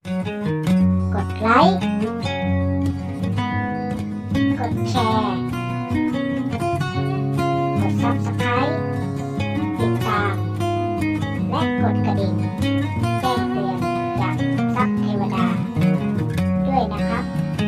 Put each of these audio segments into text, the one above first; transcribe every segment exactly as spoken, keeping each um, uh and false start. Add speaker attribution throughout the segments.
Speaker 1: กดไลค์กดแชร์กด ซับสไครบ์ ติดตามและกดกระดิ่งแจ้งเตือนจากซับเทวดาด้วยนะครับ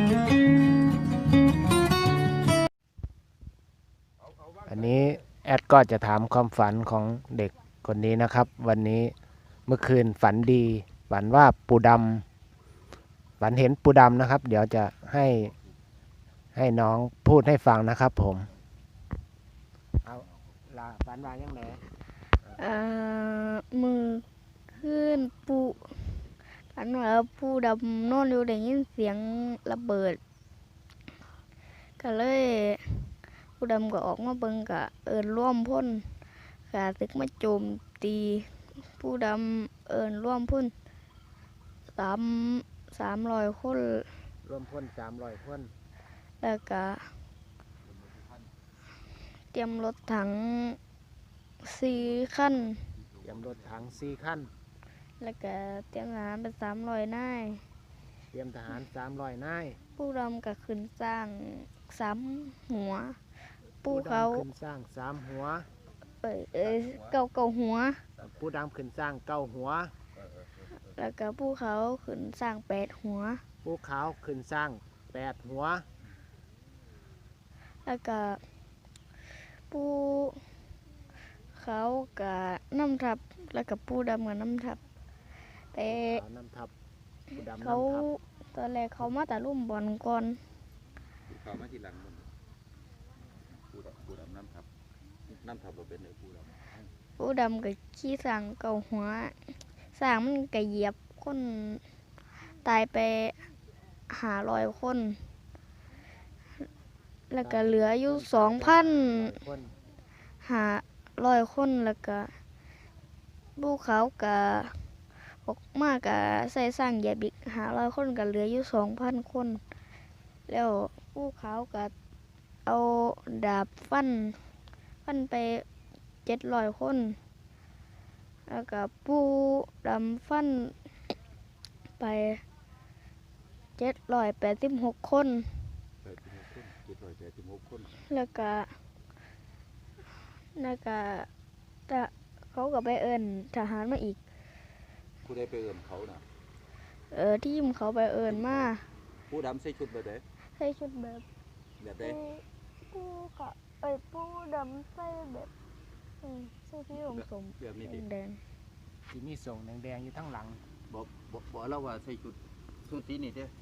Speaker 2: อันนี้แอดก็จะถามความฝันของเด็กคนนี้นะครับวันนี้เมื่อคืนฝันดีฝันว่าปูดำฝันเห็นปูดำนะครับเดี๋ยวจะให้ให้น้องพูดให้ฟังนะครับผมเอาลาฝันว่ายังไง
Speaker 3: อ่ามือขึ้นปูฝันว่าปูดำนอนอยู่ได้ยินเสียงระเบิดก็เลยปูดำก็ออกมาเบิ่งกะเอิญร่วมพ่นกะตึกมาโจมตีปูดำเอิญร่วมพ่นสามสามร้อยคน
Speaker 2: ร่วมพ่นสามร้อยคน
Speaker 3: แล้วก็เตรียมรถถังสี่คัน
Speaker 2: เตรียมรถถังสี่คัน
Speaker 3: แล้วก็เตรียมทหารเป็นสามร้อยนาย
Speaker 2: เตรียมทหารสามร้อยนาย
Speaker 3: ปูดำก็ขึ้นสร้างสามหัวปูเขา
Speaker 2: ขึ้นสร้างสามหัว
Speaker 3: เอ้ยเอ้ยเก้าเก้าหัว
Speaker 2: ปูดำขึ้นสร้างเก้าหัว
Speaker 3: แล้วก็ปูเขาขึ้นสร้างแปดหัว
Speaker 2: ปูขาวขึ้นสร้างแปดหัว
Speaker 3: แล้วก็ปูเขากับน้ำทับแล้วก็ปูดำกับน้ำทับแต่เขาตอนแรกเขามาแต่รุ่มบอลก่อน
Speaker 4: เขามาทีหลังมันปูดำปูดำน้ำทับน้ำทับเราเป็นไหนปูดำ
Speaker 3: ปูดำกับขี้สั่งเก่าหัวสั่งมันก็เหยียบคนตายไปหาร้อยคนแล้วก็เหลืออยู่สองพันหาร้อยคนแล้วก็ภูเขากับออกมากกับใส่สร้างเหยียบอีกหาร้อยคนก็เหลืออยู่สองพันคนแล้วภูเขากับเอาดาบฟันฟันไปเจ็ดร้อยคนแล้วก็ปูดำฟันไปเจ็ดร้อยแปดสิบหกคนแล้วก็แล้วก็เขาก็ไปเอิญทหารมาอีก
Speaker 4: ผู้ได้ไปเอิญเขาน่ะ
Speaker 3: เออทีมเขาไปเอิญมา
Speaker 4: ผู้ดำใส่ชุดแบบไหน
Speaker 3: ใส่ชุดแบบ
Speaker 4: แบบไหน
Speaker 3: ผู้ก็เอ้ยผู้ดำใส่แบบใส่ที่องสมแดง
Speaker 2: ที่มีส่งแดงๆอยู่ทั้งหลัง
Speaker 4: บอกบอกบอกเราว่าใส่ชุดชุดสีนี่เด้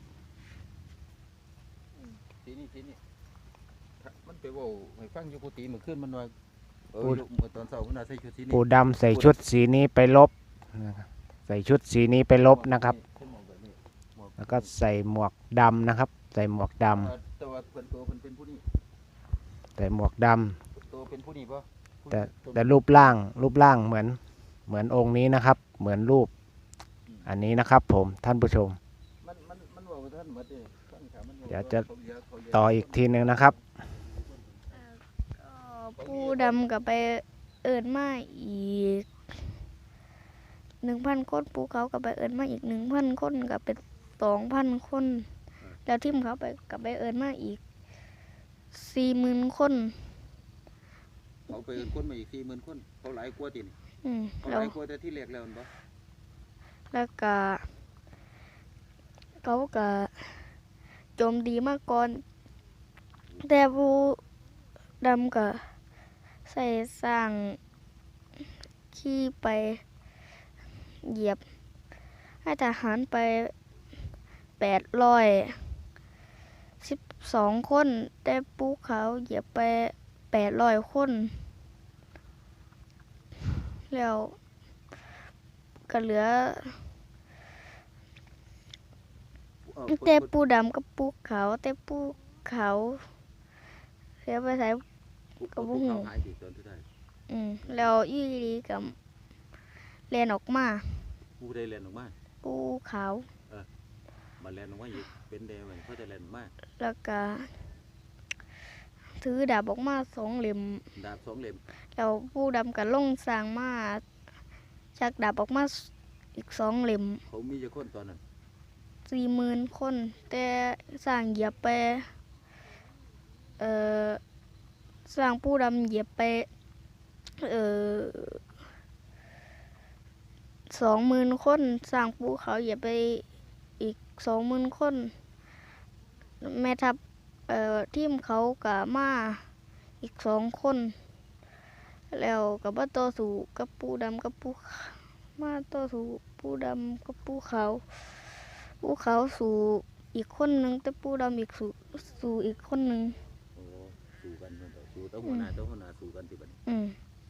Speaker 4: สีนี่สีนี่มันไปว่าให้ฟังอยู่กุฏิเมื่อคืนมันว่าเออเมื่อตอนเช้ามันใส่ชุดสีนี้
Speaker 2: ปูดำใส่ชุดสีนี้ไปลบใส่ชุดสีนี้ไปลบนะครับแล้วก็ใส่หมวกดำนะครับใส่หมวกดำ
Speaker 4: แต่ว่าเพิ่นตัวเพิ่นเป็นผู้นี้
Speaker 2: ใส่หมวกด
Speaker 4: ำตัวเป็นผู้นี้ป่ะ
Speaker 2: แต่แต่รูปร่างรูปร่างเหมือนเหมือนองค์นี้นะครับเหมือนรูปอันนี้นะครับผมท่านผู้ชมเดี๋ยวจะต่ออีกทีหนึ่งนะครับ
Speaker 3: ปูดำกับไปเอิญมาอีกหนึ่งพันคนปูเขากับไปเอิญมาอีกหนึ่งพันคนกับเป็นสองพันคนแล้วทีมเขาไปกับไปเอิญมาอีกสี่หมื่นคน
Speaker 4: เขาไปเอิญคนมาอีกสี่หมื่นคนเขาหลายกว่าติเขาหลายกว่าแต่ที่แรกแล้วมั้ย
Speaker 3: แล้วก็เขาก็โจมดีมากก่อนแต่ปูดำก็ใส่สร้างขี่ไปเหยียบให้ทหารไปแปดร้อยสิบสองคนแต่ปูเขาเหยียบไปแปดร้อยคนแล้วก็เหลือแต่ปูดำกับปูเขาแต่ปูเขาเสียไปใส่กับบุ้งอืมแล้วยี่ดีกับเรียนออกมา
Speaker 4: ปูได้เรียนออกมา
Speaker 3: ปูขาว
Speaker 4: เออมาเรียนออกมาอีกเป็นเดวันเขาจะเรียนออกมา
Speaker 3: แล้วก็ถือดาบออกมาสองเหลี่ยม
Speaker 4: ดาบสองเหลี่ยม
Speaker 3: แล้วปูดำกับลงสร้างมาชักดาบออกมาอีกสองเหลี่ยม
Speaker 4: เขามีจะค้นตอนนั้น
Speaker 3: สี่หมื่นคน แต่สร้างเหยียบไปเอ่อสร้างปูดำเหยียบไปเอ่อสองหมื่นคนสร้างปูเขาเหยียบไปอีกสองหมื่นคน แม่ทัพเอ่อทีมเขากะมาอีกสองคน แล้วกับว่าต่อสู้กับปูดำกับปูมาต่อสู้ปูดำกับปูขาวปูขาวสู่อีกคนหนึ่งแต่ปูดำอีกสู่สู่อีกคนหนึ่ง
Speaker 4: โอ้สู้กันเนาะสู้เต้าหัวหน้าเต้าหัวหน้าสู้กันติบัดนี้
Speaker 3: อืม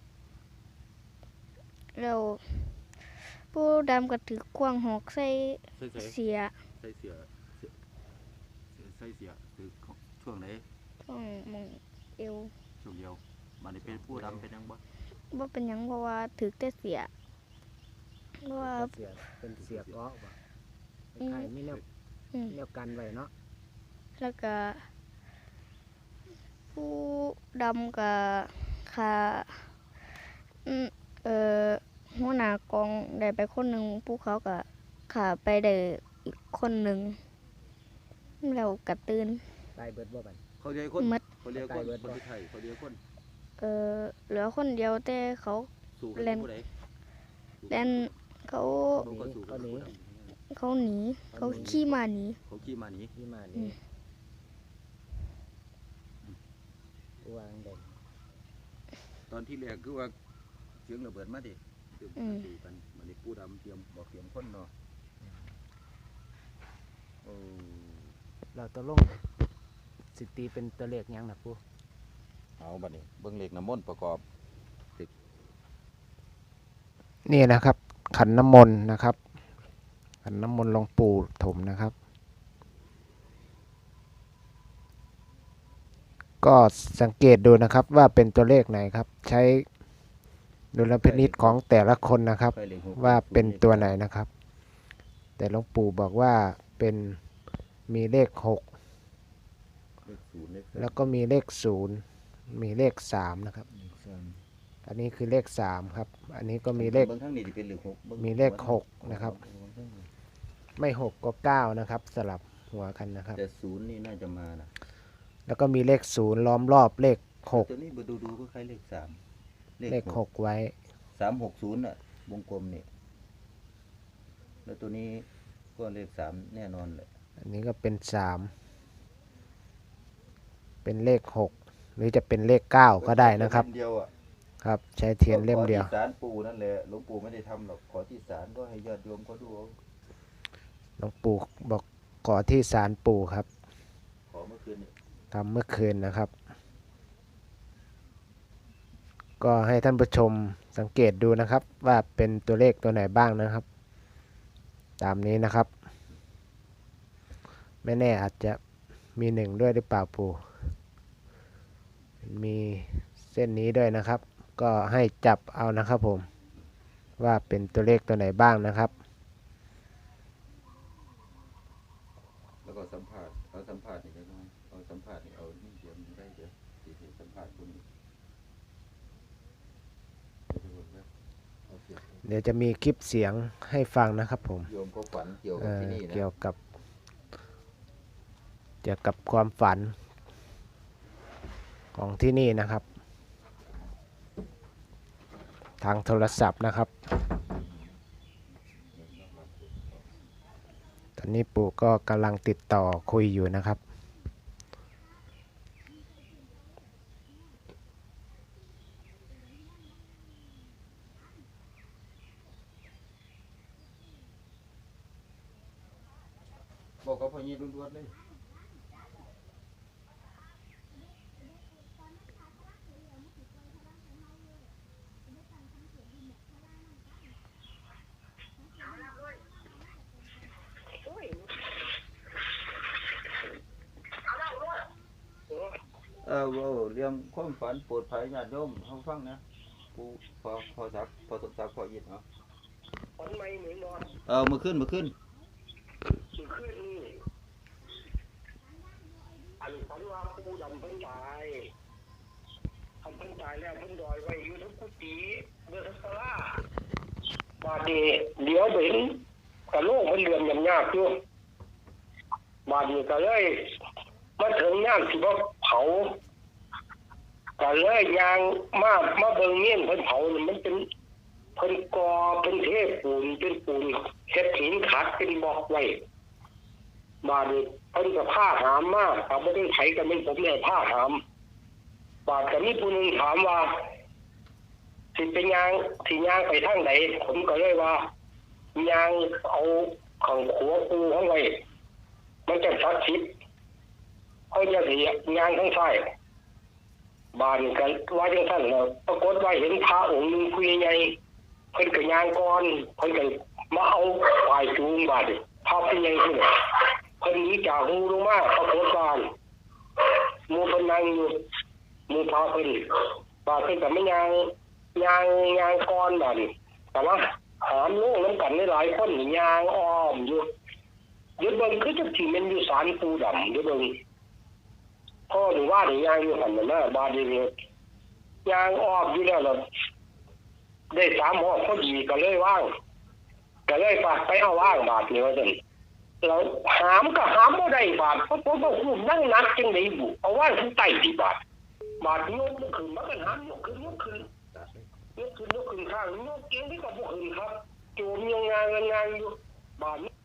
Speaker 3: แล้วปูดำก็ถือควงหอกใส่
Speaker 4: ใส่ใส่
Speaker 3: เสีย
Speaker 4: ใส่เสียเสียใส่เสียคือช่วงไหน
Speaker 3: ช่วงมองเอว
Speaker 4: ช่วงเดียวมันนี่เป็นผู้ดำเป็นยังบ่
Speaker 3: ว่าเป็นหยังเพราะว่าถือแต่เสียเพราะว่า
Speaker 2: เสียเป็นเสียเกาะบ่ไข่ไม่แนว
Speaker 3: อืม
Speaker 2: แนวกันไว้เนาะ
Speaker 3: แล้วก็ผู้ดำกับขาอืมเอ่อหัวหน้ากองได้ไปคนหนึ่งผู้เขากับขาไปได้อีกคนหนึ่งแล้วกระตื่น
Speaker 2: ตายเบิดบ่บัด
Speaker 4: เขาเรียกคน
Speaker 3: หมด
Speaker 4: เขาเรียกคนคนที่ไทยเขาเรียกคน
Speaker 3: เอ่อเหลือคนเดียวแต่เขา
Speaker 4: สู้กัน
Speaker 3: เล่น
Speaker 4: ผู้ใด
Speaker 3: แดนเขา
Speaker 4: เขาก็สู้กันผู้ดำ
Speaker 3: เขาหนีเขาขี่มาหนี
Speaker 4: เขาขี่มาหนี
Speaker 2: ที่มา
Speaker 3: อื
Speaker 2: นี่
Speaker 3: ม
Speaker 2: วางเด่น
Speaker 4: ตอนที่แรกคือว่าเสียงระเบิดมาดิเตรียมกันสู้กันมันนี่ผู้ดำเตรียมบอกเตรียมคนเนาะโอ้
Speaker 2: เราตัวลงสิตีเป็นตัวเลขหยังนะปู
Speaker 4: เอาบัดนี้เบิ่งเลขน้ำมนต์ประกอบ
Speaker 2: นี่นะครับ ขันน้ำมนต์นะครับ ขันน้ำมนต์หลวงปู่ถมนะครับ ก็สังเกตดูนะครับว่าเป็นตัวเลขไหนครับ ใช้ดุลพินิจของแต่ละคนนะครับ
Speaker 4: ไปเลขหก
Speaker 2: ว่าเป็นตัวไหนนะครับ แต่หลวงปู่บอกว่าเป็นมีเลขหก
Speaker 4: เลขศูนย์เลข
Speaker 2: แล้วก็มีเลขศูนย์มีเลขสามนะครับ
Speaker 4: สาม
Speaker 2: อันนี้คือเลขสามครับ อันนี้ก็มีเลข
Speaker 4: บิ่งข้างนี้สิเป็นเลขหกบิ่ง
Speaker 2: มีเลขหกนะครับ ไม่หกก็เก้านะครับ สลับหัวกันนะครับ
Speaker 4: แต่ศูนย์นี่น่าจะมานะ
Speaker 2: แล้วก็มีเลขศูนย์ล้อมรอบเลขหก
Speaker 4: ตัวนี้ดูดูๆก็คล้ายเลขสาม
Speaker 2: เลขหกไว้
Speaker 4: สามหกศูนย์อ่ะวงกลมนี่แล้วตัวนี้ก็เลขสามแน่นอนเลย
Speaker 2: อันนี้ก็เป็นสามเป็นเลขหกหรือจะเป็นเลขเก้าก็ได้นะครับ
Speaker 4: เดียวอ่ะ
Speaker 2: ครับ ใช้เทียนเล่มเดียว
Speaker 4: ขอที่ศาลปู่นั่นแหละหลวงปู่ไม่ได้ทำหรอกขอที่ศาลก็ให้ญาติโยมเขาดูเอา
Speaker 2: หลวงปู่บอกขอที่ศาลปู่ครับ
Speaker 4: ขอเมื่อคืนนี่
Speaker 2: ทำเมื่อคืนนะครับ ก็ให้ท่านผู้ชมสังเกตดูนะครับ ว่าเป็นตัวเลขตัวไหนบ้างนะครับ ตามนี้นะครับ ไม่แน่อาจจะมีหนึ่งด้วยหรือเปล่าปู่มีเส้นนี้ด้วยนะครับ ก็ให้จับเอานะครับผม ว่าเป็นตัวเลขตัวไหนบ้างนะครับ
Speaker 4: แล้วก็สัมภาษณ์เอาสัมภาษณ์นี่ก็ได้เอาสัมภาษณ์นี่เอานี่เดี๋ยวมันได้เดี๋ยวสิสิสัมภาษณ์คนนี้เอาเสียง
Speaker 2: เดี๋ยวจะมีคลิปเสียงให้ฟังนะครับผม
Speaker 4: โยมก็ฝันเกี่ยว
Speaker 2: เอ่
Speaker 4: กับ
Speaker 2: อ
Speaker 4: ที่นี่นะ
Speaker 2: เกี่ยวกับเกี่ยวกับความฝันของที่นี่นะครับ ทางโทรศัพท์นะครับ ตอนนี้ปู่ก็กำลังติดต่อคุยอยู่นะครับ
Speaker 4: บอกกับพ่อยี่ล้วนๆเลย เออเว้าเรื่องความฝันโปรดภัยญาติโยมเฮาฟังนะผู้พอพอสักพอสมศักดิ์พอยิดเนาะ
Speaker 5: ฝันไหมเหมือนนอน
Speaker 4: เออมื้อคืนมื้อคืน
Speaker 5: คือคืนนี้อันฝันว่าผู้ดำเพิ่นตายทำเพิ่นตายแล้วเพิ่นดอยไว้อยู่ทั้งกุฏิเมื่อทั้งศาลาบาดนี้เดี๋ยวไปเห็นกระโหลกมันเรือนยำยากอยู่บาดนี้ก็เลยมาถึงย่ามที่ว่าเผาก็เลยยางมามาเบิ่งเงี้ยนเพิ่นเผานี่มันเป็นเพิ่นกอเป็นเทปูนเป็นปูนเฮ็ดหินขัดเป็นบล็อกไว้บาดนี้เพิ่นก็ผ้าหามมาถ้าบ่ได้ไผก็เป็นผมเนี่ยผ้าหามบาดก็มีผู้หนึงถามว่าสิเป็นยางสิยางไปทางใดผมก็เลยว่ายางเอาข้างขัวปูข้างไว้มันจะศักดิ์สิทธิ์เขาจะสิยางทั้งซ้ายบานกันว่าจังซั่นแล้วปรากฏว่าเห็นพระองค์หนึงผู้ใหญ่เพิ่นก็ยางก่อนเพิ่นก็มาเอาฝ่ายจูงบาดพระผู้ใหญ่ขึ้นเพิ่นหนีจากหูลงมาปรากฏว่าหมู่เพิ่นนั่งอยู่หมู่พระเพิ่นบาดเพิ่นก็ไม่ยางยางยางก่อนบาดแต่ว่าหามลงนำกันหลายคนยางอ้อมอยู่เดี๋ยวเบิ่งคือจังสิแม่นอยู่ศาลปู่ดำเดี๋ยวเบิ่งพ่อหรือว่าหรือยางอยู่หันนะบาดีเลยยางออกอยู่แล้วเราได้สามห้องพอดีก็เลยว่างก็เลยฝากไปเอาว่างบาทนี่ว่าสิเราหามก็หามไม่ได้บาทเพราะผมบอกคุณนั่งนักจังไหนบุเอาว่างขึ้นไต่ที่บาทบาทยกขึ้นมากันหามยกขึ้นยกขึ้นยกขึ้นยกขึ้นข้างยกเก่งที่กับพวกอื่นครับโจมยังงานงานอยู่บาท